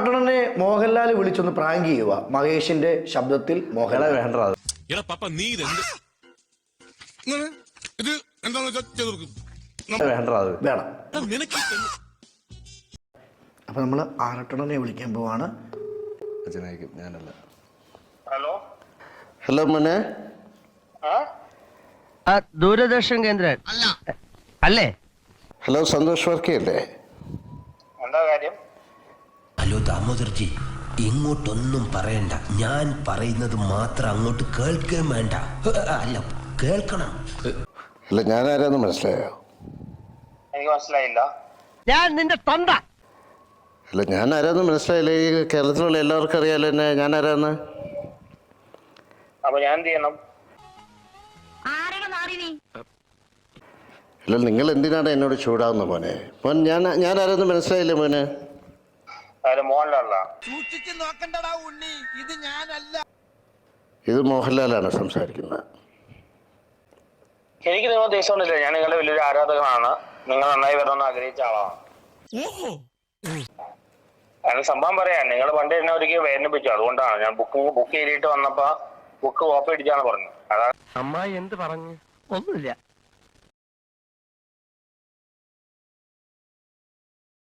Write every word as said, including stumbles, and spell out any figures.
ആറട്ടണനെ Mohanlal വിളിച്ചൊന്ന് prank ചെയ്യുക. മഹേഷിന്റെ ശബ്ദത്തിൽ മോഹൻലാൽ വേണ്ട വേണം. അപ്പൊ നമ്മള് ആറട്ടണനെ വിളിക്കാൻ പോവാണ്. ഞാനല്ല. ഹലോ ഹലോ മോനെ. ദൂരദർശൻ കേന്ദ്രൻ അല്ലേ? ഹലോ സന്തോഷ് വർക്കിയല്ലേ? എന്താ കാര്യം? ഹലോ ദാമോദർജി, ഇങ്ങോട്ടൊന്നും പറയണ്ട. ഞാൻ പറയുന്നത് മാത്രം അങ്ങോട്ട് കേൾക്കുകയും വേണ്ട. അല്ല, കേൾക്കണം. അല്ല, ഞാൻ ആരാന്ന് മനസ്സിലായോ? എനിക്ക് മനസ്സിലായില്ല. ഞാൻ നിന്റെ തൊണ്ട. അല്ല, ഞാൻ ആരാന്ന് മനസ്സിലായില്ലേ? ഈ കേരളത്തിലുള്ള എല്ലാവർക്കും അറിയാലോ എന്നെ, ഞാൻ ആരാന്ന്. അപ്പൊ ഞാൻ എന്ത് ചെയ്യണം? അല്ല, നിങ്ങൾ എന്തിനാണ് എന്നോട് ചൂടാവുന്ന മോനെ? മോൻ ഞാൻ ഞാൻ ആരാന്ന് മനസ്സിലായില്ലേ മോനെ? മോഹൻലാലാ? ഇത് മോഹൻലാലാണ് സംസാരിക്കുന്നത്. എനിക്ക് നിങ്ങൾ ദേഷ്യമൊന്നുമില്ല. ഞാൻ നിങ്ങളുടെ വലിയൊരു ആരാധകനാണ്. നിങ്ങൾ നന്നായി വരണമെന്ന് ആഗ്രഹിച്ച ആളാണ്. അതിന് സംഭവം പറയാൻ നിങ്ങൾ പണ്ട് എന്നെ ഒരിക്കൽ വേദനിപ്പിച്ചു. അതുകൊണ്ടാണ് ഞാൻ ബുക്ക് ബുക്ക് ചെയ്തിട്ട് വന്നപ്പോ ബുക്ക് കോപ്പി അടിച്ചാണ് പറഞ്ഞു. അതാണ്. അമ്മായി എന്ത് പറഞ്ഞു? ഒന്നുമില്ല.